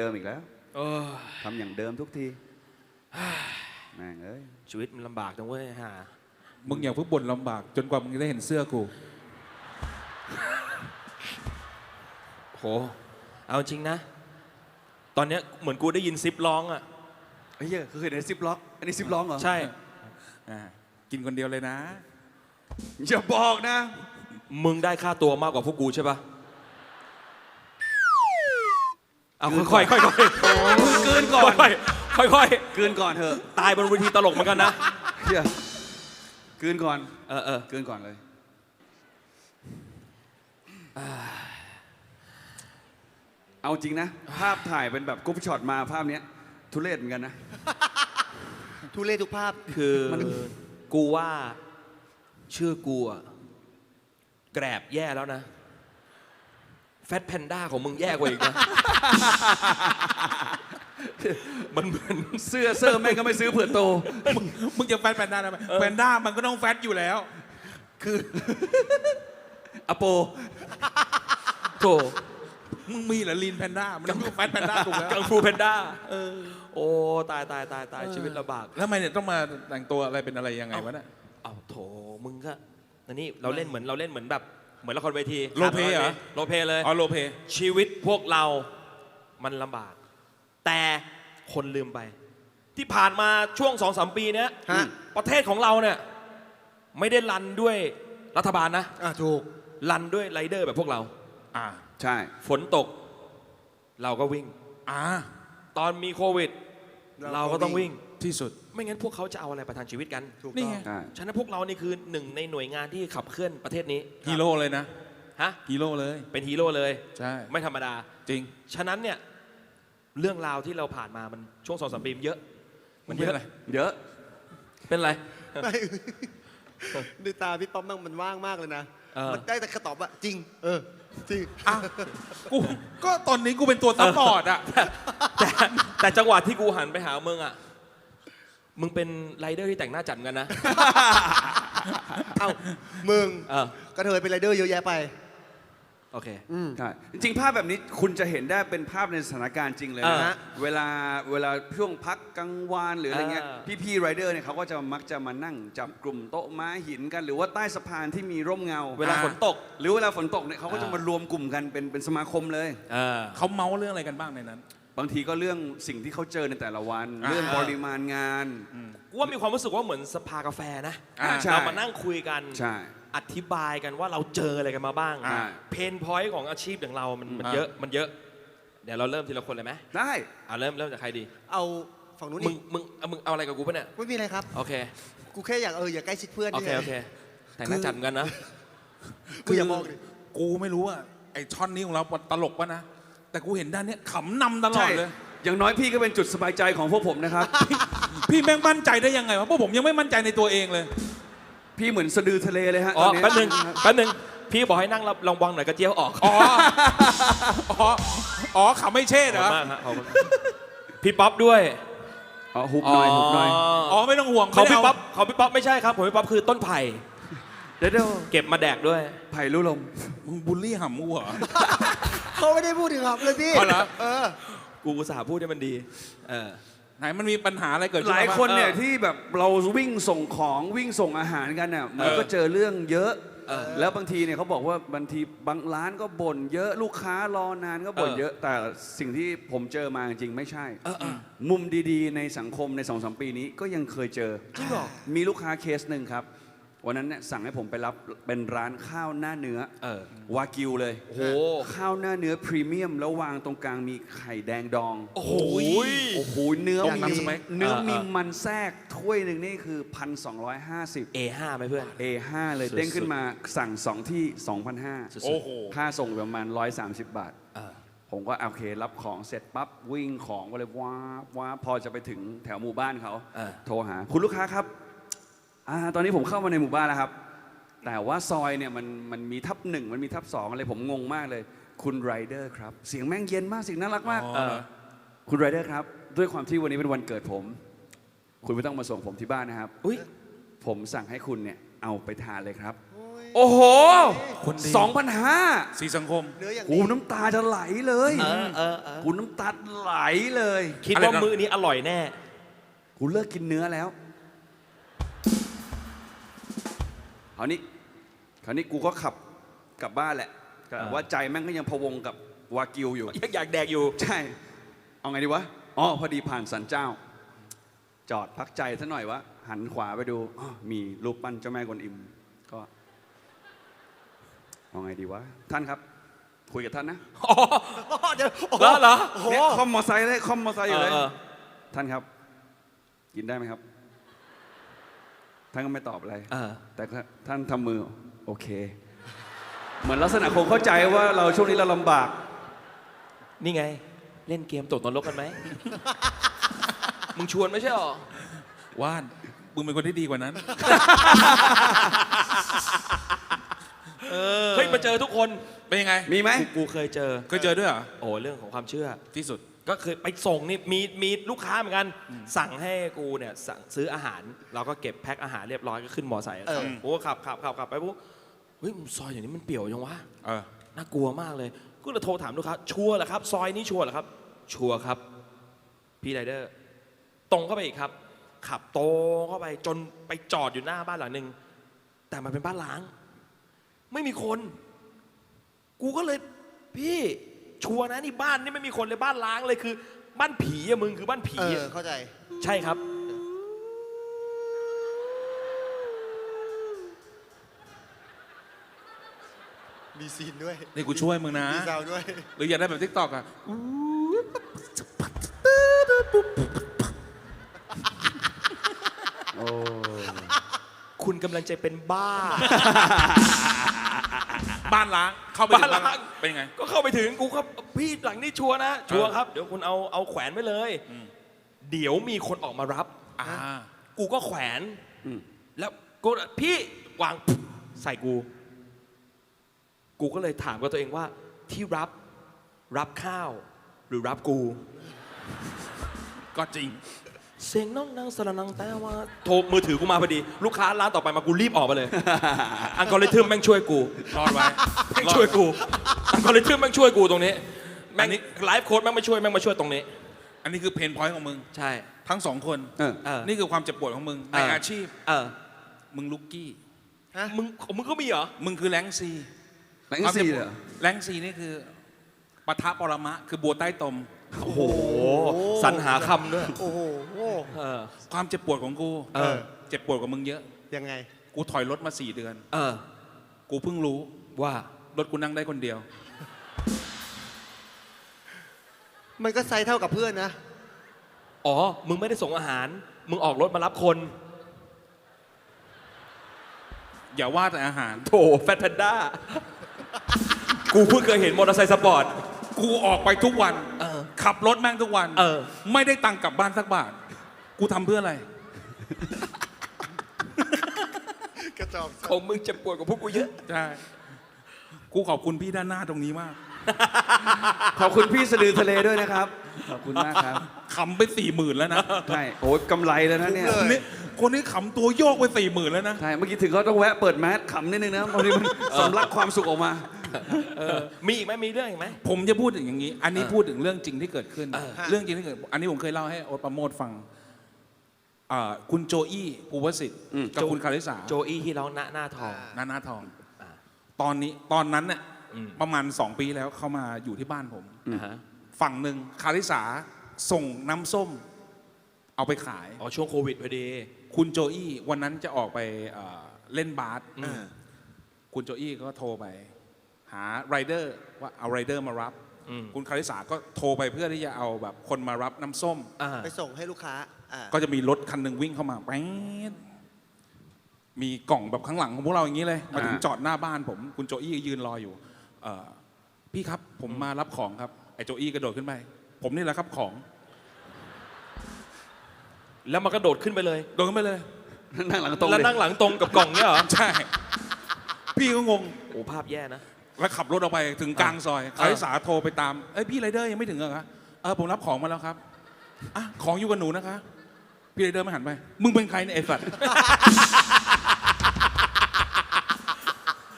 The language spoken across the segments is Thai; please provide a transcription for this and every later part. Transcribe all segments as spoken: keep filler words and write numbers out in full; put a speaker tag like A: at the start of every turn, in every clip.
A: มอีกแล้วทำอย่างเดิมทุกทีแม่งเอ้ย
B: ชีวิตมันลำบากจังเว้ยฮะ
C: มึงอย่าเพิ่งบ่นลำบากจนกว่ามึงจะได้เห็นเสื้อกู
B: โหเอาจริงนะตอนนี้เหมือนกูได้ยินซิปร้องอ่ะ
A: เฮ้ยเคยเห็นซิปล็อกอันนี้ซิปร้องเหรอ
B: ใช่
C: กินคนเดียวเลยนะ
A: อย่าบอกนะ
B: มึงได้ค่าตัวมากกว่าพวกกูใช่ปะเอาค่อยๆค่อยๆ
A: เกินก่อน
B: ค่อย
A: ๆเกินก่อนเถอะ
B: ตายบนเวทีตลกเหมือนกันนะ
A: เฮียเกินก่อน
B: เออเออ
A: เกินก่อนเลยเอาจริงนะภาพถ่ายเป็นแบบกรุ๊ปช็อตมาภาพนี้ทุเรศเหมือนกันนะ
D: ทุเรศทุกภาพ
B: คือกูว่าชื่อกูอะแกรบแย่แล้วนะแฟตแพนด้าของมึงแย่กว่าอีกนะมันเหมือน
A: เสื้อเสื้อแม่งก็ไม่ซื้อเผื่อโต
C: มึงจะแฟตแพนด้าได้ไหมแพนด้ามันก็ต้องแฟตอยู่แล้วคือ
A: อโป
B: โถ
C: มึงมีเหรอลีนแพนด้ามันต้องแฟตแพนด้าถูกแล้ว
B: กังฟูแพนด้าเออโอ้ตายตายตายตายชีวิตลำบาก
C: แล้วทำไมเนี่ยต้องมาแต่งตัวอะไรเป็นอะไรยังไงวะเนี่ย
B: เอาโถมึงก็อันนี้เราเล่นเหมือนเราเล่นเหมือนแบบเหมือนละครเวที
C: โรเพเหรอ
B: โรเพเลย
C: อ๋อโรเพ
B: ชีวิตพวกเรามันลำบากแต่คนลืมไปที่ผ่านมาช่วงสองสามปีเนี้ยประเทศของเราเนี่ยไม่ได้รันด้วยรัฐบาลนะ
D: อ่ะถูก
B: รันด้วยไรเดอร์แบบพวกเรา
A: อ่าใช่
B: ฝนตกเราก็วิ่ง
C: อ่า
B: ตอนมีโควิดเราก็ต้องวิ่ง
C: ที่สุด
B: ไม่งั้นพวกเขาจะเอาอะไรประทังชีวิตกัน
D: นี่ไง
B: ฉะนั้นพวกเรานี่คือหนึ่งในหน่วยงานที่ขับเคลื่อนประเทศนี้
C: ฮีโร่เลยนะ
B: ฮะ
C: ฮีโร่เลย
B: เป็นฮีโร่เลย
C: ใช่
B: ไม่ธรรมดา
C: จริง
B: ฉะนั้นเนี่ยเรื่องราวที่เราผ่านมามันช่วงสองสามปีเยอะ
C: มันเยอะอะไร
A: เยอะ
B: เป็นไร
D: ดูตาพี่ป๊อปมั่งมันว่างมากเลยนะมันได้แต่คำตอบว่าจริงเออจริง
C: กูก็ตอนนี้กูเป็นตัวซัพพอร์ตอะ
B: แต่แต่จังหวะที่กูหันไปหามึงอะมึงเป็นไรเดอร์ที่แต่งหน้าจัดกันนะ
D: เอ้ามึงก็เธอเป็นไรเดอร์เยอะแยะไป
B: โอเค
A: ใช่จริงๆภาพแบบนี้คุณจะเห็นได้เป็นภาพในสถานการณ์จริงเลยนะเวลาเวลาช่วงพักกลางวันหรืออะไรเงี้ยพี่ๆไรเดอร์เนี่ยเขาก็จะมักจะมานั่งจับกลุ่มโต๊ะม้าหินกันหรือว่าใต้สะพานที่มีร่มเงา
B: เวลาฝนตก
A: หรือเวลาฝนตกเนี่ยเขาก็จะมารวมกลุ่มกันเป็นเป็นสมาคมเลย
C: เขาเมาเรื่องอะไรกันบ้างในนั้น
A: บางทีก็เรื่องสิ่งที่เขาเจอในแต่ละวันเรื่องปริมาณงาน
B: ว่ามีความรู้สึกว่าเหมือนสภากาแฟนะเรามานั่งคุยกันอธิบายกันว่าเราเจออะไรกันมาบ้างเพนพอยต์ของอาชีพอย่างเรามันมันเยอะมันเยอะเดี๋ยวเราเริ่มทีละคนเลยไหม
A: ได้
B: อ่าเริ่มเริ่มจากใครดี
D: เอาฝั่งนู้น
B: มึงมึงมึงเอาอะไรกับกูปะเนี่ย
D: ไม่มีอะไรครับ
B: โอเค
D: กูแค่อยากเอออยากใกล้ชิดเพื่อน
B: โอเคโอเคแต่น่าจัดกันนะ
D: กูอย่ามอง
C: กูไม่รู้ว่าไอ้ท่อนนี้ของเราตลกปะนะแต่กูเห็นด้านนี้ขำนำตลอดเลย
A: อย่างน้อยพี่ก็เป็นจุดสบายใจของพวกผมนะครับ
C: พี่แม่งมั่นใจได้ยังไงวะพวกผมยังไม่มั่นใจในตัวเองเลย
A: พี่เหมือนสะดือทะเลเลยฮะ
B: อ๋อแป๊บนึงแป๊บนึงพี่บอกให้นั่งรับลองวังหน่อยกระเจียวออก
C: อ๋ออ๋ออ๋อขำไม่เช่เหรอ
B: พี่ป๊อปด้วย
A: อ๋อหุบหน่อยหุบหน่อย
C: อ๋อไม่ต้องห่วง
B: เขาพี่ป๊อปเขาพี่ป๊อปไม่ใช่ครับผมพี่ป๊อปคือต้นไผ่
A: เดี๋ยว
B: เก็บมาแดกด้วย
A: ไผ่รู้ลม
C: มึงบูลลี่หำกูเหรอ
D: เขาไม่ได้พูดถึงหำเลยพี่
C: อ๋อเหรอ
D: เออ
B: กูอุตส่าห์พูดให้มันดีเออ
C: ไหนมันมีปัญหาอะไรเกิดขึ้น
A: หลายคนเนี่ยที่แบบเราวิ่งส่งของวิ่งส่งอาหารกันเนี่ยมันก็เจอเรื่องเยอะแล้วบางทีเนี่ยเขาบอกว่าบางทีบางร้านก็บ่นเยอะลูกค้ารอนานก็บ่นเยอะแต่สิ่งที่ผมเจอมาจริงไม่ใช่มุมดีๆในสังคมในสองสามปีนี้ก็ยังเคยเจอ
B: จริงหรอ
A: มีลูกค้าเคสหนึ่งครับวันนั้นเนี่ยสั่งให้ผมไปรับเป็นร้านข้าวหน้าเนื้อวากิวเลย
B: โอ้โห
A: ข้าวหน้าเนื้อพรีเมียมแล้ววางตรงกลางมีไข่แดงดอง
B: โอ้โห
A: โอ้โหเนื้อมีเนื้อมีมันแทรกถ้วยหนึ่งนี่คือพันสองร้อยห้าสิบ
B: เอ ห้า ไหมเพื่อน
A: เอ ห้า เลยเด้งขึ้นมาสั่งสองที่ สองพันห้าร้อย
C: โอ้โห
A: ค่าส่งประมาณหนึ่งร้อยสามสิบบาทผมก็โอเครับของเสร็จปั๊บวิ่งของก็เลยว้าว้าพอจะไปถึงแถวหมู่บ้านเขาโทรหาคุณลูกค้าครับตอนนี้ผมเข้ามาในหมู่บ้านแล้วครับแต่ว่าซอยเนี่ยมันมันมีทับหนึ่งมันมีทับสองอะไรผมงงมากเลยคุณไรเดอร์ครับเสียงแม่งเย็นมากเสียงน่ารักมากคุณไรเดอร์ครับด้วยความที่วันนี้เป็นวันเกิดผมคุณไม่ต้องมาส่งผมที่บ้านนะครับผมสั่งให้คุณเนี่ยเอาไปทานเลยครับโอ้โห
C: คนดี
A: สองพันห้า
C: สีสังคม
D: เนื้ออย่าง
A: กู
D: ดี
A: น้ำตาจะไหลเลย
B: เออเออเออ
A: กูน้ำตาไหลเลย
B: คิด
C: อะไร
B: ว่า
C: นะ
B: มื้อนี้อร่อยแน่
A: กูเลิกกินเนื้อแล้วคราวนี้คราวนี้กูก็ขับกลับบ้านแหละแต่
B: อ่า
A: ว่าใจแม่งก็ยังพะวงกับวากิวอยู่
B: ยังอยากแดกอยู่
A: ใช่ เอาไงดีวะ อ๋อ พอดีผ่านสันเจ้า จอดพักใจซะหน่อยวะ หันขวาไปดูอ้อมีรูปปั้นเจ้าแม่กวนอิม ก็ เอาไงดีวะ ท่านครับ คุยกับท่านนะ
D: เดี๋ยวโอ้โห
B: แล้วเหรอ
D: โอ้โห
A: เนี่ยคอมมอไซค์เลยคอมมอไซค์อยู่เลย
B: เออ
A: ท่านครับ กินได้ไหมครับ ท่านก็ไม่ตอบอะไร
B: เออ
A: แต่ก็ท่านทำมือ โอเค เหมือนลักษณะคงเข้าใจว่าเราช่วงนี้เราลำบาก
B: นี่ไง เล่นเกมตกนรกกันไหม มึงชวนไม่ใช่หรอ
C: ว่านมึงเป็นคนที่ดีกว่านั้น
B: เฮ้ยมาเจอทุกคน
C: เป็นยังไง
A: มีไหม
B: กูกูเคยเจอ
C: เคยเจอด้วยเหรอ
B: โอ้เรื่องของความเชื่อ
C: ที่สุด
B: ก็เคยไปส่งนี่มีมีลูกค้าเหมือนกัน สั่งให้กูเนี่ยสั่งซื้ออาหาร เราก็เก็บแพ็คอาหารเรียบร้อยก็ขึ้นมอไซค์
D: เออ
B: กูก็ขับขับขับขับไปปุ๊บเฮ้ยซอยอย่างนี้มันเปี่ยวยังวะ
C: เออ
B: น่ากลัวมากเลยก็เลยโทรถามลูกค้าชัวร์เหรอครับ ซอยนี้ชัวร์เหรอครับ ชัวร์ครับ พี่ไรเดอร์ ตรงเข้าไปอีกครับ ขับโตรงเข้าไปจนไปจอดอยู่หน้าบ้านหลังหนึ่งแต่มันเป็นบ้านล้าง ไม่มีคน กูก็เลยพี่ชัวร์นะนี่บ้านนี่ไม่มีคนเลยบ้านล้างเลยคือ บ้านผีอะมึงคือบ้านผี
D: เออ
B: อะ
D: เข้าใจ
B: ใช่ครับ
D: มีซีนด้วย
C: นี่กูช่วยมึงนะ
D: มีซาวด้วย
C: หรืออยากได้แบบทิกตอกอ่ะ
A: โอ้
B: คุณกำลังจะเป็นบ้า
C: บ้านล้าง เข้าไป
B: บ้านล้าง
C: เป็นยังไง
B: ก็เข้าไปถึงกูครับพี่หลังนี้ชัวร์นะ ชัวร์ครับ เดี๋ยวคุณเอาเอาแขวนไว้เลย
C: อืม
B: เดี๋ยวมีคนออกมารับ
C: อ่า
B: กูก็แขวน
A: อืม
B: แล้วกูพี่วางใส่กู กูก็เลยถามกับตัวเองว่าที่รับรับข้าว หรือรับกู
C: ก็จริง
B: เสียงน้องนางสระนังแต่ว่าโทรมือถือกูมาพอดี ลูกค้าร้านต่อไปมากูรีบออกไปเลย อัลกอริทึมแม่งช่วยกู
C: รอดไว้
B: แม่งช่วยกูอัลกอริทึมแม่งช่วยกูตรงนี้ แม่
C: อั
B: ง
C: นนี้
B: ไลฟ์โค้ดแม่งมาช่วยแม่งมาช่วยตรงนี้
C: อันนี้คือเพนพอยต์ของมึง
B: ใช่
C: ทั้งสองคน
A: เออ
B: เออ
C: นี่คือความเจ็บปวดของมึง ใน
B: เอออ
C: อาชีพ
B: เออ
C: มึงลุกกี้
D: ฮะ
B: มึงมึงก็มีเหรอ
C: มึงคือแรงซี
A: แบงค์ซีเหรอ
C: แรงซีนี่คือปะทะปรมะ คือบัวใต้ตม
B: โอ้โหสรรหาคำด้วย
D: โอ้โห
B: เออ
C: ความเจ็บปวดของกู
B: เออ
C: เจ็บปวดกว่ามึงเยอะ
D: ยังไง
C: กูถอยรถมาสี่เดือน
B: เออ
C: กูเพิ่งรู้
B: ว่า
C: รถกูนั่งได้คนเดียว
D: มันก็ไซส์เท่ากับเพื่อนนะ
B: อ๋อ มึงไม่ได้ส่งอาหาร มึงออกรถมารับคน
C: อย่าว่าแต่อาหาร
B: โถแฟตแพนด้า กูเพิ่งเคยเห็นมอเตอร์ไซค์สปอร์ต
C: กูออกไปทุกวัน
B: เออ
C: ขับรถแม่งทุกวัน
B: เออ
C: ไม่ได้ตังค์กลับบ้านสักบาท กูทำเพื่ออะไร
D: กระจอก
B: ของมึงเจ็บปวดกว่าพวกกูเยอะ
C: ใช่ กูขอบคุณพี่ด้านหน้าตรงนี้มาก
A: ขอบคุณพี่สะดือทะเลด้วยนะครับ ขอบคุณมากครับ
C: ขำไปสี่หมื่นแล้วนะ
A: ใช่ โอ้ยกำไรแล้วนะเนี่ย
C: คนนี้คนนี้ขำตัวโยกไปสี่หมื่นแล้วนะ
A: ใช่ เมื่อกี้ถึงเขาต้องแวะเปิดแมสขำนิดนึงนะบางทีมันสำลักความสุขออกมา
B: เออ มีอีกไหมมีเรื่องอีกไหม
C: ผมจะพูดถึงอย่างนี้ อันนี้
B: เออ
C: พูดถึงเรื่องจริงที่เกิดขึ้น
B: เออ
C: เรื่องจริงที่เกิด อันนี้ผมเคยเล่าให้โอ๊ตประโมทฟังอ่าคุณโจอี้ภูวสิทธิ์
A: อืม
C: กับคุณคาริสา
B: โจอี้ที่ร้องหน้าหน้าทอง
C: นานาทอง
B: อ่า
C: ตอนนี้ตอนนั้นเนี่ย
B: อืม
C: ประมาณสองปีแล้วเขามาอยู่ที่บ้านผม
B: อ่าฮะ
C: ฝั่งหนึ่งคาริสาส่งน้ำส้ม เอาไปขาย
B: อ๋อช่วงโควิดพอดี
C: คุณโจอี้วันนั้นจะออกไปเอ่อเล่นบาส
B: อืม
C: คุณโจอี้ก็โทรไป หาไรเดอร์ว่าเอาไรเดอร์มารับ
B: อืม
C: คุณคาริสาก็โทรไปเพื่อที่จะเอาแบบคนมารับน้ำส้ม
B: อ่า
D: ไปส่งให้ลูกค้าอ่า
C: ก็จะมีรถคันหนึ่งวิ่งเข้ามาแป๊ดมีกล่องแบบข้างหลังของพวกเราอย่างนี้เลย มาถึง
A: อ่า
C: จอดหน้าบ้านผม คุณโจอี้ยืนรออยู่เอ่อพี่ครับผมมารับของครับ ไอ้โจอี้กระโดดขึ้นไป ผมนี่แหละครับของ
B: แล้วมันกระโดดขึ้นไปเลย
C: โดดขึ้นไปเลย
A: นั่งหลังตรง
B: แล้ว
A: เลย
B: นั่งหลังตรงกับกล่องเนี่ยเหรอ
C: ใช่ พี่ก็งง
B: โอ้ภาพแย่นะ
C: แล้วขับรถออกไปถึงกลางซอยคาริสาโทรไปตาม เอ้ยพี่ไรเดอร์ยังไม่ถึงเหรอคะเออผมรับของมาแล้วครับอ่ะของอยู่กับหนูนะคะ พี่ไรเดอร์ไม่หันไป มึงเป็นใครเนี่ยไอ้สัตว์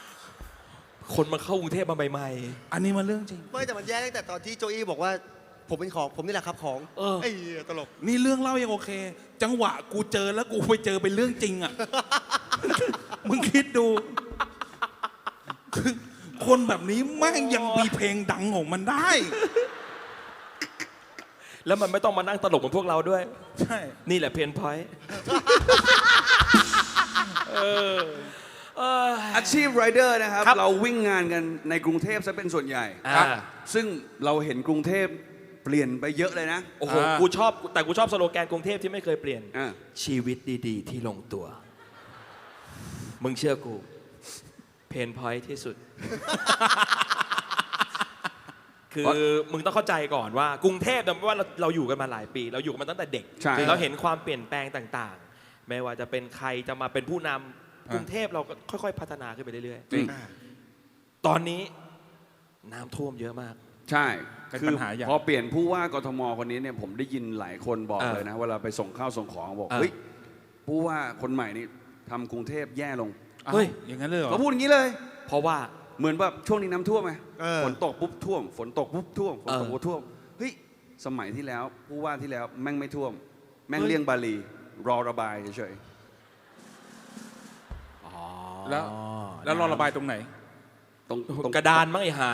B: คนมาเข้ากรุงเทพมาใหม่
C: อันนี้มันเรื่องจริง
D: ไม่แต่มันแย่ตั้งแต่ตอนที่โจอี้บอกว่า ผมเป็นของผมนี่แหละครับของ
B: เออ
D: ไอ้เหี้ยตลก
C: นี่เรื่องเล่ายังโอเค จังหวะกูเจอแล้วกูไปเจอเป็นเรื่องจริงอ่ะ มึงคิดดูคือคนแบบนี้แม่งยังมีเพลงดังของมันได้
B: ๆ แล้วมันไม่ต้องมานั่งตลกเหมือนพวกเราด้วย
C: ใช่
B: นี่แหละเพนพอยต์
A: อาชีพไรเดอร์นะครับ
B: ครับ
A: เราวิ่งงานกันในกรุงเทพซะเป็นส่วนใหญ่
B: อ่า
A: ซึ่งเราเห็นกรุงเทพเปลี่ยนไปเยอะเลยนะ
B: โอ้โห กูชอบ แต่กูชอบสโลแกนกรุงเทพที่ไม่เคยเปลี่ยน
A: อ่า
B: ชีวิตดีๆ ที่ลงตัว มึงเชื่อกู เพนพอยต์ที่สุด คือมึงต้องเข้าใจก่อนว่ากรุงเทพเนี่ยไม่ว่าเราเราอยู่กันมาหลายปี เราอยู่กันมาตั้งแต่เด็ก
A: ใช่
B: เราเห็นความเปลี่ยนแปลงต่างๆ ไม่ว่าจะเป็นใครจะมาเป็นผู้นำกรุงเทพเราก็ค่อยๆ พัฒนาขึ้นไปเรื่อย
A: จริง
B: ๆ ตอนนี้น้ำท่วมเยอะมาก
A: ใช่
C: เป็น
A: คื
C: ปั
A: อ
C: ญหาใหญ่
A: พอเปลี่ยนผู้ว่ากทมคนนี้เนี่ยผมได้ยินหลายคนบอก
B: เออ
A: เลยนะเวลาไปส่งข้าวส่งของบอก
B: เออ
A: เฮ้ยผู้ว่าคนใหม่นี่ทำกรุงเทพแย่ลง
B: เฮ้ย
C: อ้าวอย่างนั้นเลยเหรอ
A: เขาพูดอย่างนี้เลย
B: เพราะว่า
A: เหมือนแบบช่วงนี้น้ำท่วมไหม
D: เออ
A: ฝนตกปุ๊บท่วม ฝนตกปุ๊บท่วมฝนตก
B: เออ
A: ปุ๊บท่วมเฮ้ยสมัยที่แล้วผู้ว่าที่แล้วแม่งไม่ท่วม แม่ง
B: เฮ้ย
A: เลี่ยงบาลี รอระบายเฉย
C: แล้วแล้วรอระบายตรงไหน
A: ๆตรงตรง
B: กระดานมั้งไอ้ห่า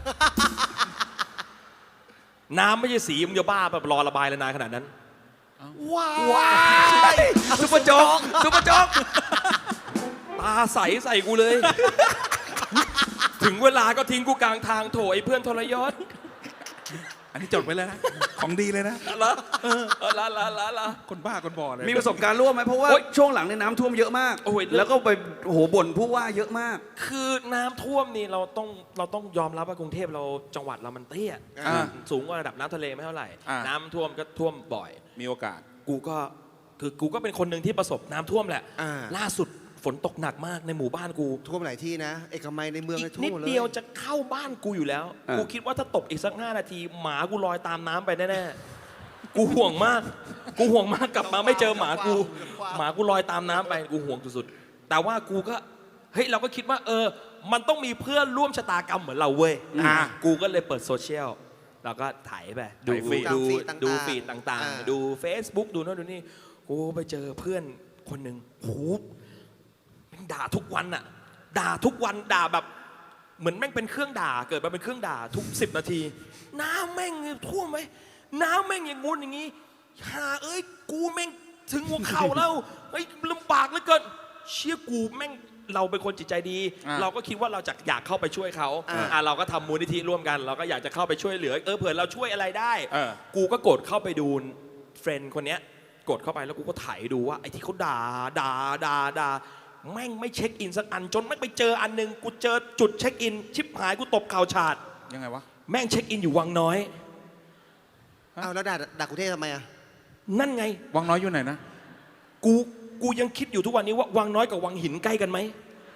B: น้ำไม่ใช่สีมึงจะบ้าแบบรอระบายเลยนานขนาดนั้น ว้ายซุปเปอร์โจ๊กซุปเปอร์โจ๊กตาใสใส่กูเลย ถึงเวลาก็ทิ้งกูกลางทางโถไอ้เพื่อนทรยศ
C: อันนี้จดไว้เลยนะ ของดีเลยนะ
B: ละเออละละละละ
C: คนบ้าคนบอเลย
A: มีประสบการณ์ร่วมไหมเพราะว่า
B: โอ๊ย
A: ช่วงหลังเนี่ยน้ำท่วมเยอะมาก
B: โอ้ยเรื่อง
A: แล้วก็ไปโอ้โหบ่นผู้ว่าเยอะมาก
B: คือน้ำท่วมนี่เราต้องเราต้องยอมรับว่ากรุงเทพเราจังหวัดเรามันเตี้ย
C: อ่า
B: สูงกว่าระดับน้ำทะเลไม่เท่าไหร่
C: อ่า
B: น้ำท่วมก็ท่วมบ่อย
C: มีโอกาส
B: กูก็คือกูก็เป็นคนหนึ่งที่ประสบน้ำท่วมแหละ
D: อ่า
B: ล่าสุดฝนตกหนักมากในหมู่บ้านกู
D: ท่วมหลายที่นะ เอกมัยในเมือง
B: อี
D: เนี่ย
B: ก
D: ท่
B: นิ
D: วม
B: ด
D: หมดเลย
B: เดียวจะเข้าบ้านกูอยู่แล้ว
A: อ่ากู
B: กูคิดว่าถ้าตกอีกสักห้านาที หมากูลอยตามน้ำไปแน่ๆ กูห่วงมาก กูห่วงมากกลับมาไม่เจอหมากู หมากูลอยตามน้ำไปกูห่วงสุดๆ แต่ว่ากูก็เฮ้ยเราก็คิดว่าเออ มันต้องมีเพื่อนร่วมชะตากรรมเหมือนเราเว้ย
C: อ่า
B: กูก็เลยเปิดโซเชียลแล้วก็ถ่ายไปดู
C: ถ่ายฟีด
B: ดู
D: ตามฟีดต่างๆ
B: ดูฟีดต่าง
D: อ่า
B: ๆ ดู Facebook ดูโน่นดูนี่กูไปเจอเพื่อนคนหนึ่งโหแม่งด่าทุกวันอะด่าทุกวันด่าแบบ เหมือนแม่งเป็นเครื่องด่าเกิดมาเป็นเครื่องด่าทุกสิบนาที น้ำแม่งท่วมไหมน้ำแม่งอย่างงู้นอย่างงี้หาเอ้ยกูแม่งถึงหัวเข่าแล้วเฮ้ยลำบากเหลือเกินเชี่ยกูแม่งเราเป็นคนจิตใจดี
C: อ่า
B: เราก็คิดว่าเราจะอยากเข้าไปช่วยเขา
D: อ่า
B: อ่าเราก็ทำมูลนิธิร่วมกัน เราก็อยากจะเข้าไปช่วยเหลือเออเผื่อเราช่วยอะไรได้
C: เออ
B: กูก็กดเข้าไปดูเฟรนด์คนเนี้ยกดเข้าไปแล้วกูก็ถ่ายดูว่าไอ้ที่เขาด่าด่าด่าด่าแม่งไม่เช็คอินสักอันจนแม่งไปเจออันหนึงกูเจอจุดเช็คอิน ชิบหายกูตบเข่าฉาด
C: ยังไงวะ
B: แม่งเช็คอินอยู่วังน้อย
D: เอาแล้วด่าด่ากรุงเทพทำไมอ่ะ
B: นั่นไง
C: วังน้อยอยู่ไหนนะ
B: กูกูยังคิดอยู่ทุกวันนี้ว่าวังน้อยกับวังหินใกล้กันไหม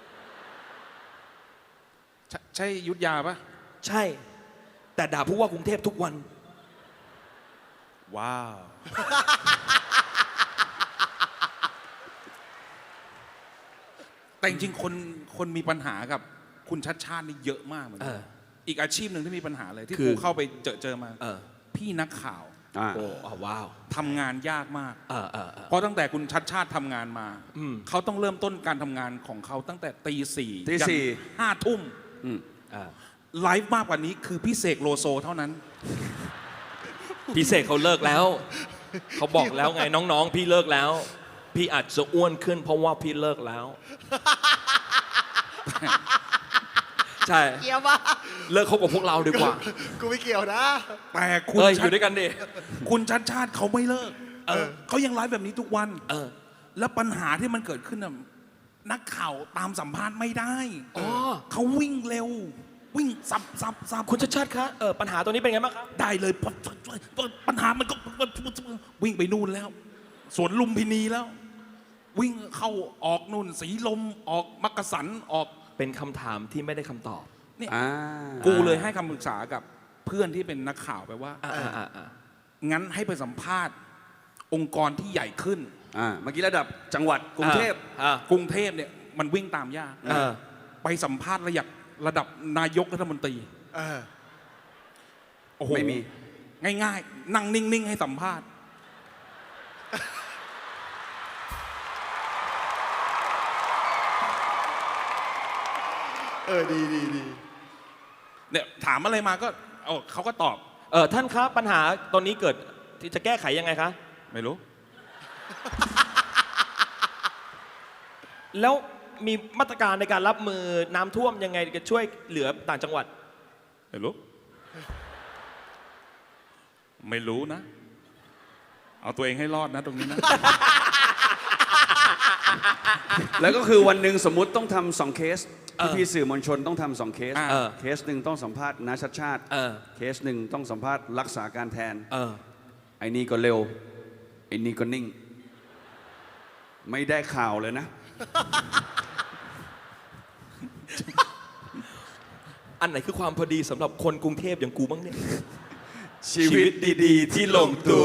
C: ใช่ใช่อยุทธยาปะ
B: ใช่ แต่ด่าผู้ว่ากรุงเทพทุกวัน
C: ว้าว แต่จริงๆคนคนมีปัญหากับคุณชัดชาตินี่เยอะมากเหมือนกั
B: เอน อ
C: อีกอาชีพหนึ่งที่มีปัญหาเลยที่
B: คือ
C: กูเข้าไปเจอเจอมา
B: เออ
C: พี่นักข่าว
A: อ่า
B: โอ้อ้าวว้าว
C: ทำงานยากมาก
B: เออเออเออ
C: เพราะตั้งแต่คุณชัดชาติทำงานมา
B: อืม
C: เขาต้องเริ่มต้นการทำงานของเขาตั้งแต่ตีสี่
A: ตีสี่
C: ห้าทุ่ม
A: อืม
B: อ่า
C: ไลฟ์มากกว่านี้คือพี่เสกโลโซเท่านั้น
B: พี่เสกเขาเลิกแล้ว เขาบอกแล้วไงน้องๆ พี่เลิกแล้ว พี่อาจจะอ้วนขึ้นเพราะว่าพี่เลิกแล้ว ใช่
D: เกี่ยวปะ
B: เลิกคบกับพวกเราดีกว่า
D: กูไม่เกี่ยวนะ
C: แต่คุณ
B: เอ้ยอ
C: ชัด
B: ยู่ด้วยกันดิ
C: คุณชัดชาติเขาไม่เลิก
B: เออ
C: เขายังไลฟ์แบบนี้ทุกวัน
B: เออ
C: แล้วปัญหาที่มันเกิดขึ้นน่ะนักข่าวตามสัมภาษณ์ไม่ได้
B: อ๋อ
C: เขาวิ่งเร็ว วิ่งสับสับสับ
B: คุณชัดชาติคะเออปัญหาตัวนี้เป็นไงบ้างครับ
C: ได้เลยปัญปัญหามันก็วิ่งไปนู่นแล้ว สวนลุมพินีแล้ว วิ่งเข้าออกนู่นสีลมออกมักกะสันออก
B: เป็นคำถามที่ไม่ได้คำตอบ
C: เนี่ย
A: อ่า
C: กูเลยให้คำปรึกษากับเพื่อนที่เป็นนักข่าวไปว่า
B: อ่าอ่าอ่าอ่า
C: งั้นให้ไปสัมภาษณ์ องค์กรที่ใหญ่ขึ้น
A: อ่าเมื่อกี้ระดับจังหวัดกรุงเทพ
B: อ่าก
C: รุงเทพเนี่ยมันวิ่งตามยาก
B: เออ
C: ไปสัมภาษณ์ระดับระดับนายกรัฐมนตรี
D: เออ
C: โอ้โห
A: ไม่มี
C: ง่ายๆ นั่งนิ่ง ๆ ให้สัมภาษณ์
D: เออ ดีดีดี
C: เนี่ยถามอะไรมาก็เออเขาก็ตอบ
B: เออท่านครับปัญหาตอนนี้เกิดที่จะแก้ไขยังไงคะ
C: ไม่รู้
B: แล้วมีมาตรการในการรับมือน้ำท่วมยังไงจะช่วยเหลือต่างจังหวัด
C: ไม่รู้ ไม่รู้นะ เอาตัวเองให้รอดนะตรงนี้นะ
A: แล้วก็คือวันหนึ่งสมมุติต้องทำสองเคส
B: เออ
A: พี่ๆสื่อมวลชนต้องทำสองเคส
C: อ่า
B: เออ
A: เคสหนึ่งต้องสัมภาษณ์นาชัดชาติ
B: เออ
A: เคสหนึ่งต้องสัมภาษณ์รักษาการแทน
B: เออ
A: ไอ้นี่ก็เร็ว ไอ้นี่ก็นิ่ง ไม่ได้ข่าวเลยนะ
B: อันไหนคือความพอดีสำหรับคนกรุงเทพอย่างกูบ้างเนี่ย
A: ชีวิตดีๆ ที่ลงตัว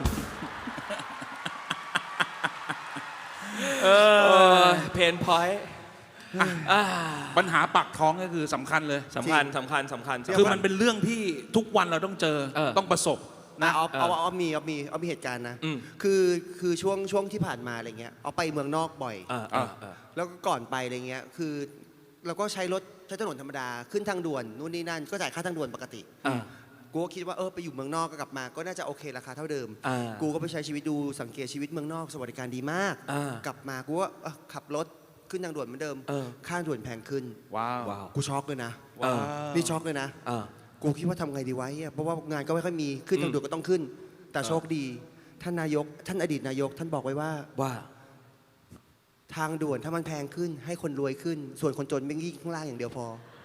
B: เออเพนพอยต์
C: ปัญหาปากท้องก็คือสำคัญเลย
B: สำคัญสำคัญสำคัญ
C: คือมันเป็นเรื่องที่ทุกวันเราต้องเจอ
B: เออ
C: ต้องประสบ
D: นะ
C: นะ
D: เอาเอา
B: เออ
D: เอามีเอามีเอามีเหตุการณ์นะ
B: อืม
D: คือคือช่วงช่วงที่ผ่านมาอะไรเงี้ยเอาไปเมืองนอกบ่อย
B: เออเออเออ
D: แล้วก็ก่อนไปอะไรเงี้ยคือเราก็ใช้รถใช้ถนนธรรมดาขึ้นทางด่วนนู่นนี่นั่นก็จ่ายค่าทางด่วนปกติ
B: เออ
D: กูก็คิดว่าเออไปอยู่เมืองนอกก็กลับมา ก็น่าจะโอเคราคาเท่าเดิม
B: อ่า
D: กูก็ไปใช้ชีวิตดูสังเกตชีวิตเมืองนอกสวัสดิการดีมาก
B: อ่าก
D: ลับมากูก็เอ้อขับรถขึ้นทางด่วนเหมือนเดิม
B: เออ
D: ค่าด่วนแพงขึ้น
C: ว้าว
B: ว้าว
D: กูช็อกเลยนะ
B: เออ
D: นี่ช็อกเลยนะ
B: เออ
D: กูคิดว่าทำไงดีไวะเนี่ยเพราะว่างานก็ไม่ค่อยมีขึ้นทางด่วนก็ต้องขึ้น แต่โชคดีท่านนายกท่านอดีตนายก ท่านบอกไว้ว่า
B: ว่า
D: ทางด่วนถ้ามันแพงขึ้น ให้คนรวยขึ้น ส่วนคนจนไม่ยิ่งข้างล่างอย่างเดียวพอ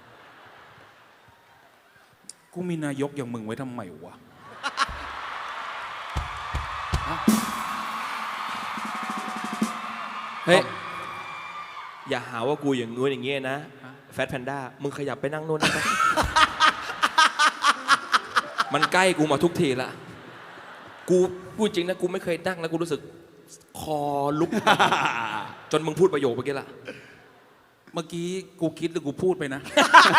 C: กูมีนายกอย่างมึงไว้ทำไมวะ
B: เฮ้ย อย่าหาว่ากูอย่างงู้นอย่างเงี้ยนะ แฟตแพนด้า มึงขยับไปนั่งนู่นได้ปะ มันใกล้กูมาทุกทีละ กูพูดจริงนะ กูไม่เคยนั่งแล้วกูรู้สึก คอลุก จนมึงพูดประโยคเมื่อกี้ละ
C: เมื่อกี้กูคิดหรือกูพูดไปนะ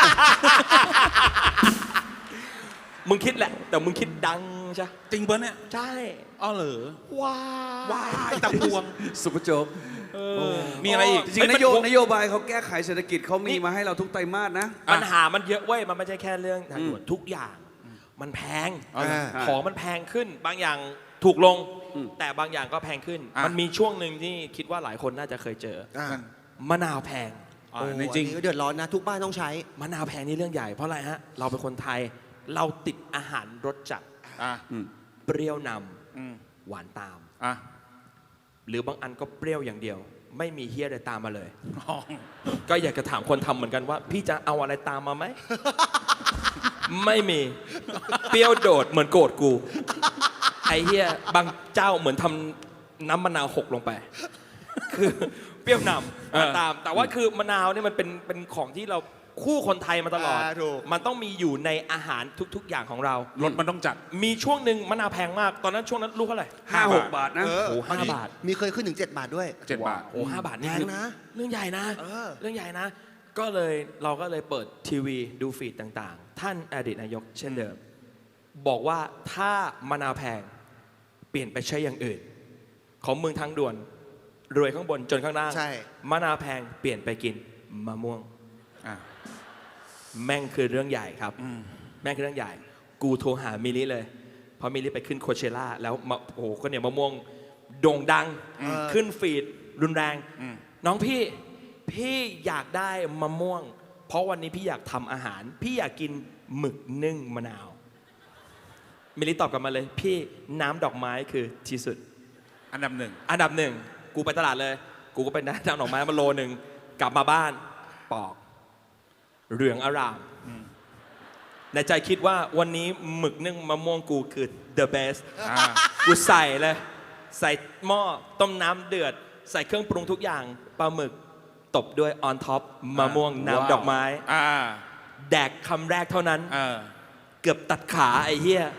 B: มึงคิดแหละ แต่มึงคิดดังใช่
C: จริงปะเนี่ย
B: ใช่
C: อ้อเหรอ
B: ว้า
C: ว้ายตะพวง
A: สุภโจ๊ก
C: มีอะไรอีก
A: จริงๆนโยนโยบายเขาแก้ไขเศรษฐกิจเขามีมาให้เราทุกไตรมาสนะ
B: ปัญหามันเยอะเว้ย มันไม่ใช่แค่เรื่องทางด่วนทุกอย่าง มันแพง
C: เอาเลย
A: อ่า
B: ของมันแพงขึ้น บางอย่างถูกลง
A: อืม
B: แต่บางอย่างก็แพงขึ้น
C: อ่ะ
B: มันมีช่วงหนึ่งที่คิดว่าหลายคนน่าจะเคยเจอ
D: อ่ะ
B: มะนาวแพง
C: อ่า
D: โอ้
C: ในจริง
D: อันนี้ก็เดือดร้อนนะ ทุกบ้านต้องใช้
B: มะนาวแพงนี่เรื่องใหญ่ เพราะอะไรฮะ เราเป็นคนไทย เราติดอาหารรสจัด
C: อ่ะ
A: อืม
B: เปรี้ยวน
C: อืม
B: ำหวานตาม
C: อ่ะ
B: หรือบางอันก็เปรี้ยวอย่างเดียว ไม่มีเฮียอะไรตามมาเลย
C: อ๋อ
B: ก็อยากจะถามคนทำเหมือนกันว่า พี่จะเอาอะไรตามมาไหม ไม่มี เปรี้ยวโดดเหมือนโกรธกู ไอ้เฮียบางเจ้าเหมือนทำน้ำมะนาวหกลงไป คือเปรี้ยวนำมาตาม แต่ว่าคือมะนาวเนี่ยมันเป็นเป็นของที่เราคู่คนไทยมาตลอด
D: อ่าถูก
B: มันต้องมีอยู่ในอาหารทุก ๆ อย่างของเรา
C: รถมันต้องจัด
B: มีช่วงหนึ่งมะนาวแพงมาก ตอนนั้นช่วงนั้นลูกเท่าไหร่
A: ห้าหกบาทนะ
D: เออ
B: โอ้ห้าบาท
D: มีเคยขึ้นถึง เจ็ด บาทด้วย
C: เจ็ดบาท
B: โอ้ห้าบาทนี่
D: แพง
B: คือ
D: นะ
B: เรื่องใหญ่นะ
D: เออ
B: เรื่องใหญ่นะ ก็เลยเราก็เลยเปิดทีวีดูฟีดต่างๆ ท่านอดีตนายกเช่นเดิม บอกว่าถ้ามะนาวแพงเปลี่ยนไปใช้อย่างอื่น ของเมืองทางด่วน รวยข้างบนจนข้างล่าง
D: ใช่
B: มะนาวแพงเปลี่ยนไปกินมะม่วง
C: อ่ะ
B: แม่งคือเรื่องใหญ่ครับ
C: อืม
B: แม่งคือเรื่องใหญ่ กูโทรหามิลลิเลยเพราะมิลลิไปขึ้นโคเชล่าแล้วมาโอ้โหก็เนี่ยมะม่วงโด่งดัง
D: เออ
B: ขึ้นฟีดรุนแรง
C: อืม
B: น้องพี่พี่อยากได้มะม่วง เพราะวันนี้พี่อยากทำอาหาร พี่อยากกินหมึกนึ่งมะนาว มิลลิตอบกลับมาเลย พี่น้ำดอกไม้คือที่สุด
C: อันดับหนึ่ง
B: อันดับหนึ่งกูไปตลาดเลย กูก็ไปได้น้ำดอกไม้มาโลหนึ่งกลับมาบ้านปอกเหลืองอร่าม ในใจคิดว่าวันนี้หมึกนึ่งมะม่วงกูคือ the best
C: อ่า
B: กูใส่เลย ใส่หม้อต้มน้ำเดือด ใส่เครื่องปรุงทุกอย่างปลาหมึกตบด้วย on top มะม่วงน้ำดอกไม้
C: อ่า
B: แดกคำแรกเท่านั้น
C: เออ
B: เกือบตัดขาไอ้เหี้ย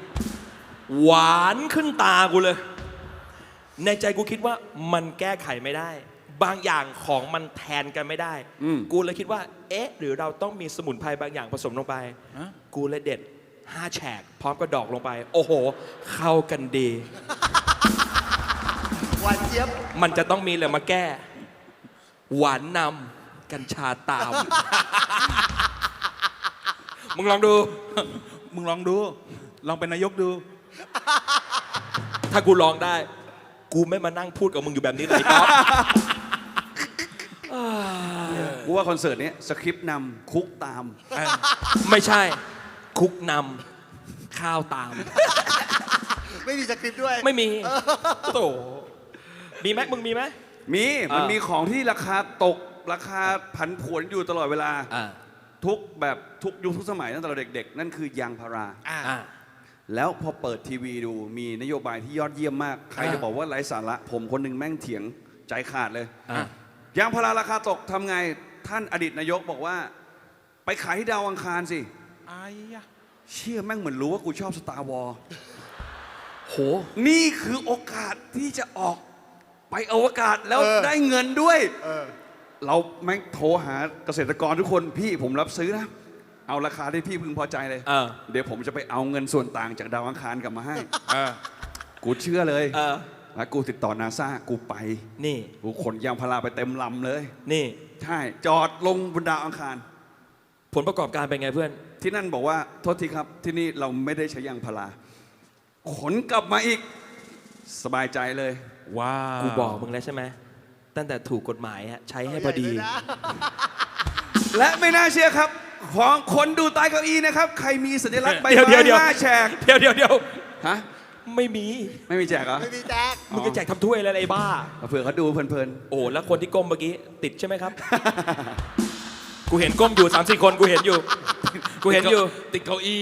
B: หวานขึ้นตากูเลย ในใจกูคิดว่ามันแก้ไขไม่ได้บางอย่างของมันแทนกันไม่ได้
A: อืม
B: กูเลยคิดว่า เอ๊ะ หรือเราต้องมีสมุนไพรบางอย่างผสมลงไป
C: ฮะ
B: กูเลยเด็ดห้าแฉกพร้อมกับดอกลงไป โอ้โห เข้ากันดี
D: หวานเจี๊ยบ
B: มันจะต้องมีอะไรมาแก้ หวานนำกัญชาตาม มึงลองดู
C: มึงลองดู ลองเป็นนายกดู
B: ถ้ากูลองได้ กูไม่มานั่งพูดกับมึงอยู่แบบนี้เลยครับ
A: กูว่าคอนเสิร์ตเนี้ยสคริปต์นำคุกตาม
B: ไม่ใช่ คุกนำข้าวตาม
D: ไม่มีสคริปต์ด้วย
B: ไม่มีโตมีไหมมึงมีไหม
A: มีมัน
B: อ่ามี
A: มีของที่ราคาตกราคาผันผวนอยู่ตลอดเวลา
B: อ่า
A: ทุกแบบทุกยุคทุกสมัยตั้งแต่เราเด็กๆ นั่นคือยางพารา
B: อ่า
A: แล้วพอเปิดทีวีดูมีนโยบายที่ยอดเยี่ยมมาก ใคร
B: อ่า
A: จะบอกว่าไร้สาระ ผมคนหนึ่งแม่งเถียงใจขาดเลย
B: อ่า
A: ยางพาราราคาตกทำไงท่านอดีตนายกบอกว่า ไปขายที่ดาวอังคารสิ
C: ไอ้ยะ
A: เชื่อแม่งเหมือนรู้ว่ากูชอบสตาร์วอล
B: โห
A: นี่คือโอกาสที่จะออกไปอวกาศแล้ว
D: เออ
A: ได้เงินด้วย
D: เออ
A: เราแม่งโทรหาเกษตรกรทุกคนพี่ผมรับซื้อนะ เอาราคาที่พี่พึงพอใจเลย
B: เออ
A: เดี๋ยวผมจะไปเอาเงินส่วนต่างจากดาวอังคารกลับมาให้
C: เออ
A: กูเชื่อเลย
B: เออ
A: แล้วกูติดต่อนาซากูไป
B: นี่
A: กูขนยางพาราไปเต็มลำเลย
B: นี่
A: ใช่ จอดลงบนดาวอังคาร
B: ผลประกอบการเป็นไงเพื่อน
A: ที่นั่นบอกว่าโทษทีครับที่นี่เราไม่ได้ใช้ยางพาราขนกลับมาอีกสบายใจเลย
C: ว้าว
B: กูบอกมึงแล้วใช่ไหม ตั้งแต่ถูกกฎหมายอะใช้ให้พอดี
A: และไม่น่าเชื่อครับ ของคนดูใต้เก้าอี้นะครับ ใครมีสัญลักษณ์ใบ
B: เดี๋ยว
A: ไม้
B: เดี๋ยว
A: ห้าแฉก
B: เดี๋ยวเดี๋ยวเดี๋ยว
A: ฮะ
B: ไม่มี
A: ไม่มีแจกเหรอ
D: ไม่มีแจ็ค
B: มึงจะแจกทำถ้วยอะไรไอ้บ้า
A: เผื่อเขาดูเพลิน
B: โอ้แล้วคนที่ก้มเมื่อกี้ติดใช่ไหมครับ กูเห็นก้มอยู่สามสี่คนกูเห็นอยู่ กูเห็นอยู่
C: ติดเก้าอี้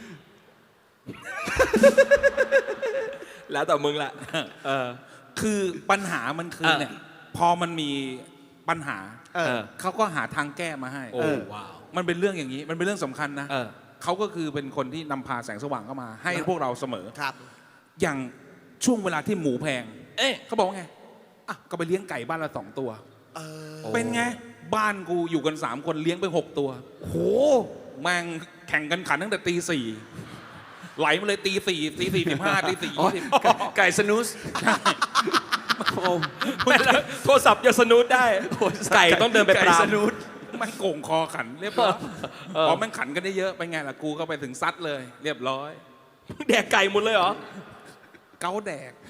B: แล้วแต่มึงแหละเออ
C: คือปัญหามันคือ
B: เออ
C: เนี่ย พอมันมีปัญหา
D: เออ
B: เออ
C: เขาก็หาทางแก้มาให้
B: โอ้
C: เออ
B: ว้าว
C: มันเป็นเรื่องอย่างนี้ มันเป็นเรื่องสำคัญนะ
B: เออ
C: เขาก็คือเป็นคนที่นำพาแสงสว่างเข้ามา ให้พวกเราเสมอ
D: ครับ
C: อย่างช่วงเวลาที่หมูแพง
B: เอ๊ะ
C: เขาบอกว่าไงอ่ะก็ไปเลี้ยงไก่บ้านละสองตัว
D: เออ
B: โอ้
C: เป็นไง บ้านกูอยู่กันสามคนเลี้ยงไปหกตัว
B: โห
C: แม่งแข่งกันขันตั้งแต่ตีสี่ไหลมาเลยตีสี่ตีสี่สิบห้าตีสี่
A: ๆอ๋อ
C: ยี่สิบ
A: ไก่ไก่สนุสโอ้
B: ไม่แล้วโทรศัพท์จะสนุดได้ ไก่ต้องเดินไปป
A: ไก่
B: ราม
A: สนุส
C: แม่งโก่งคอขันเรียบร้อย
B: เออ
C: พอแม่งขันกันได้เยอะเป็นไงล่ะกูก็ไปถึงซัดเลย เรียบร้อย
B: แดกไก่หมดเลยเหรอ
C: เกาแดก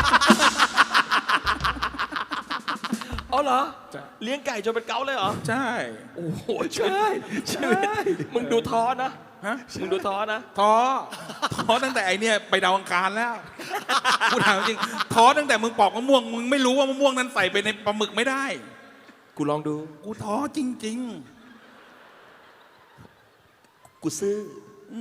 B: อ๋อเหรอ
C: ใช่
B: เลี้ยงไก่จนเป็นเกาเลยเหรอ
C: ใช่
B: โอ้โหชีวิตชีวิตมึงดูท้อนะ
C: ฮะ
B: มึงดูท้อนะ
C: ท้อท้อตั้งแต่ไอเนี่ยไปดาวอังคารแล้วกูถามจริงท้อตั้งแต่มึงปอกมะม่วงมึงไม่รู้ว่ามะม่วงนั้นใส่ไปในปลาหมึกไม่ได้
B: กูลองดู
C: กูท้อจริง
B: กูซื้ออ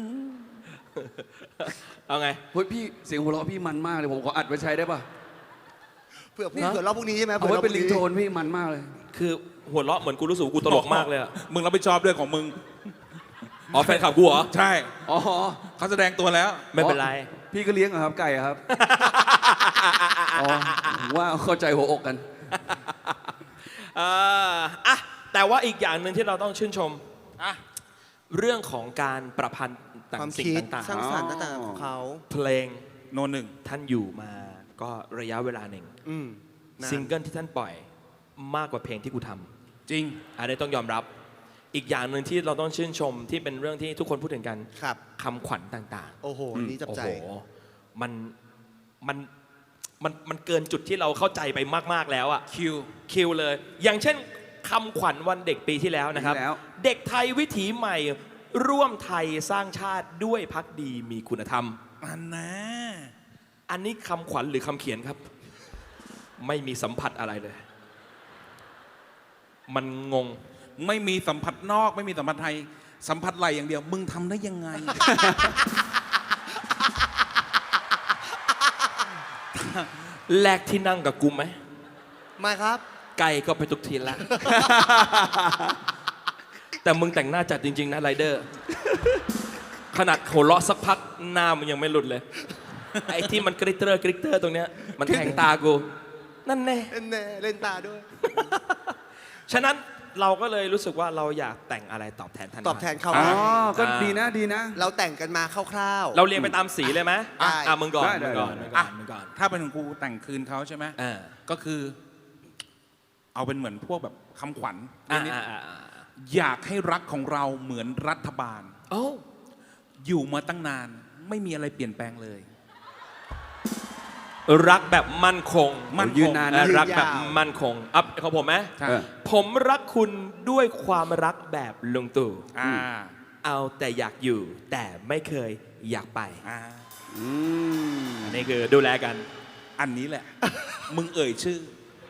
B: เอาไง
A: เฮ้ยพี่เสียงหัวเราะพี่มันมากเลยผมขออัดไว้ใช้ได้ป่ะ
D: เผื่อพี่
B: ฮะ
D: เผื่อรอบพรุ่งนี้ใช่ไหม
A: เอา
D: ผื่
A: ไว้
D: รบ
A: เป็น
D: พ
A: ลิ
D: รุ่
A: ง
D: นี้
A: โทนพี่มันมากเลย
B: คือหัวเราะเหมือนกูรู้สึกว่ากู
C: ๆ
B: ตลกมากเลยอะ
C: มึงรับผิดชอบด้วยของมึง
B: อ๋อแฟนคลับกูเหรอ
C: ใช่
A: อ๋อ
C: เขาแสดงตัวแล้ว
B: ไม่เป็นไร
A: พี่ก็เลี้ยงเหรอครับไก่อะครับ อ๋อผมว่าเข้าใจหัวอกกัน
B: อ่าอ่ะแต่ว่าอีกอย่างหนึ่งที่เราต้องชื่นชม
C: อ่ะ
B: เรื่องของการประพันธ์ต่า
D: ความ
B: งสิ่ง
D: คิด
B: ต่าง
D: สร้างสรรค์ต่างๆของเขา
B: ๆ เพลง
C: โนหนึ่ง
B: ท่านอยู่มาก็ระยะเวลาหนึ่ง
D: อืมนาน
B: ซิงเกิลที่ท่านปล่อยมากกว่าเพลงที่กูทำ
C: จริง
B: อันนี้ต้องยอมรับ อีกอย่างหนึ่งที่เราต้องชื่นชมที่เป็นเรื่องที่ทุกคนพูดถึงกัน
D: ครับ
B: คำขวัญต่าง
D: โอ้โห นี่จั
B: ๆ
D: บ
B: โอ้
D: ใจ
B: โหมันมันมันมันเกินจุดที่เราเข้าใจไปมากๆแล้วอะ
C: คิว
B: คิวเลย อย่างเช่นคำขวัญวันเด็กปีที่แล้วนะครับ
A: ปีที่แล้ว
B: เด็กไทยวิถีใหม่ร่วมไทยสร้างชาติด้วยพักดีมีคุณธรรม
C: อันนะ
B: อันนี้คำขวัญหรือคำเขียนครับ ไม่มีสัมผัสอะไรเลย มันงง
C: ไม่มีสัมผัสนอกไม่มีสัมผัสไทย สัมผัสไหลอย่างเดียว มึงทำได้ยังไง
B: แลกที่นั่งกับกูไหม
D: มาครับ
B: ไก่ก็ไปทุกทีละ แต่มึงแต่งหน้าจัดจริง ๆ นะไรเดอร์ ขนาดหัวเราะสักพักหน้ามึงยังไม่หลุดเลย ไอ้ที่มันกริตเตอร์กริตเตอร์ตรงเนี้ยมันแทงตากูนั่นแน่
D: เล่นแน่เล่นตาด้วย
B: ฉะนั้นเราก็เลยรู้สึกว่าเราอยากแต่งอะไรตอบแทนท่าน
D: ตอบแทนเขา
A: อ๋อ
D: นะ
A: ก็ดีนะดีนะ
D: เราแต่งกันมาคร่าว
B: เราเรียงไปตามสีเลยไหม
D: ได้
B: อ่ะมึงก่อน
A: ได้ได้
B: มึงก่อน
A: ได้
B: มึงก่อนมึงก่อน
C: ถ้าเป็นของกูแต่งคืนเขาใช่ไหม
B: อ่า
C: ก็คือ เอาเป็นเหมือนพวกแบบคำขวัญ
B: อ่า
C: นิด
B: อ่าอ่าอ่า
C: ๆอยากให้รักของเราเหมือนรัฐบาล
B: โอ้
C: อยู่มาตั้งนาน ไม่มีอะไรเปลี่ยนแปลงเลย
B: รักแบบมั่นคง
C: มั่นคง
A: ยืนนาน
B: และ
A: นะ
B: รักแบบมั่นคงอัพของผมไหม
C: ใช่
A: เออ
B: ผมรักคุณด้วยความรักแบบลุงตู่
C: อ่า
B: เอาแต่อยากอยู่ แต่ไม่เคยอยากไป
C: อ่า
A: อืม
B: อันนี้คือดูแลกัน
C: อันนี้แหละ มึงเอ่ยชื่อ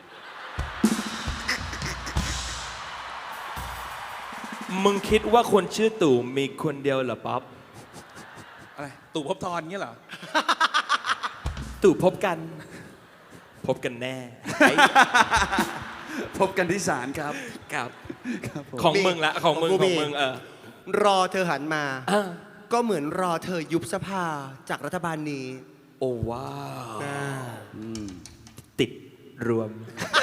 B: มึงคิดว่าคนชื่อตู่มีคนเดียวเหรอป๊อป
C: อะไร ตู่ภพบทรเงี้ยเหรอ
B: ตู่พบกัน พบกันแน่
A: พบกันที่ศาลครับ
B: ครับ
A: ครับผม
B: ของมึงละของมึง
D: ของกู
B: ของ
D: มี
B: มึงเออ
D: ๆ รอเธอหันมา
B: อ่ะ
D: ก็เหมือนรอเธอยุบสภาจากรัฐบาลนี้
B: โอ้ว้าว
D: อ่า
B: ติดรวม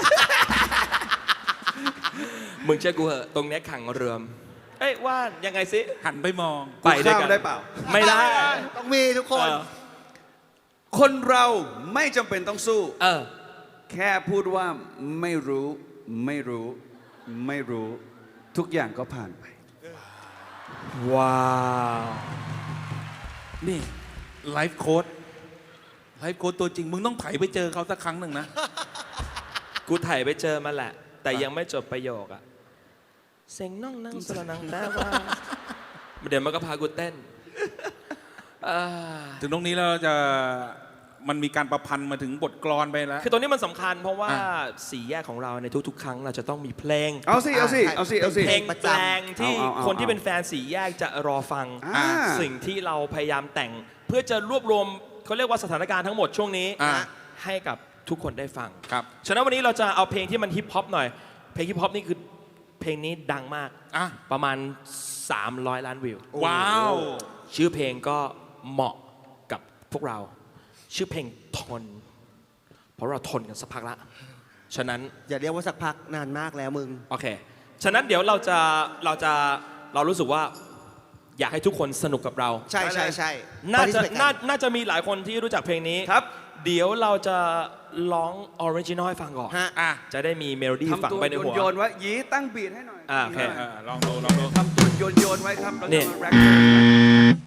B: มึงเชื่อกูเหอะตรงเนี้ยขังรวม เอ้ยว่านยังไงสิ
C: หันไปมอง
B: ไปด้วย
A: ข้าม
B: กัน
A: ได้เปล่า
B: ไม่ได้
D: ต้องมีทุกคน
B: เออ
A: คนเราไม่จำเป็นต้องสู้
B: เออ
A: แค่พูดว่าไม่รู้ไม่รู้ ไม่รู้ ทุกอย่างก็ผ่านไป
B: ว้าว
C: นี่ไลฟ์โค้ดไลฟ์โค้ดตัวจริง มึงต้องไถไปเจอเขาสักครั้งหนึ่งนะ
B: กูถ่ายไปเจอมาแหละ แต่ยังไม่จบประโยคอะเซ็งน่องนั่งสระนังแต่ว่า เดี๋ยวมันก็พากูเต้นเอ่อ
C: ถึงตรงนี้เราจะมันมีการประพันธ์มาถึงบทกลอนไปแล้ว
B: คือตรงนี้มันสำคัญเพราะว่า
C: อ่ะ
B: สี่แยกของเราในทุกๆ ครั้งเราจะต้องมีเพลง
A: เอาสิ เอาสิ เอาสิ เอาสิ
B: เพลง
D: ประ
B: แป
D: จำ
B: ลงที่
A: เอาเอาเอา
B: คนที่เป็นแฟนสี่แยกจะรอฟัง
A: อ่า
B: สิ่งที่เราพยายามแต่ง เพื่อจะรวบรวมเขาเรียกว่าสถานการณ์ทั้งหมดช่วงนี้
C: อ่า
B: ให้กับทุกคนได้ฟัง
C: ครับ
B: ฉะนั้นวันนี้เราจะเอาเพลงที่มันฮิปฮอปหน่อย เพลงฮิปฮอปนี่คือเพลงนี้ดังมาก
C: อ่ะ
B: ประมาณ สามร้อย ล้านวิว
C: ว้าว
B: ชื่อเพลงก็เหมาะกับพวกเรา ชื่อเพลงทน เพราะเราทนกันสักพักละ ฉะนั้น
D: อย่าเรียกว่าสักพักนานมากแล้วมึง
B: โอเค ฉะนั้นเดี๋ยวเราจะเราจะเรารู้สึกว่าอยากให้ทุกคนสนุกกับเรา
D: ใช่ใช่ใช่
B: น่าจะ
D: Participate กั
B: น่าน่าจะมีหลายคนที่รู้จักเพลงนี้
A: ครับ
B: เดี๋ยวเราจะร้องออริจินอลให้ฟังก่อน
D: ฮะ
C: อ่ะ
B: จะได้มีเมโลดี้ฝัง
A: ทำตัว
B: ไปในหัว
A: โยนๆไว้ยีตั้งบีทให้หน่อย
B: อ่าโอเค
C: เออลองดูลองดู
A: ทำตัวโยนๆไว้ครับแล้ว
B: เนี่
A: ก็
B: ย
A: มาแร็ป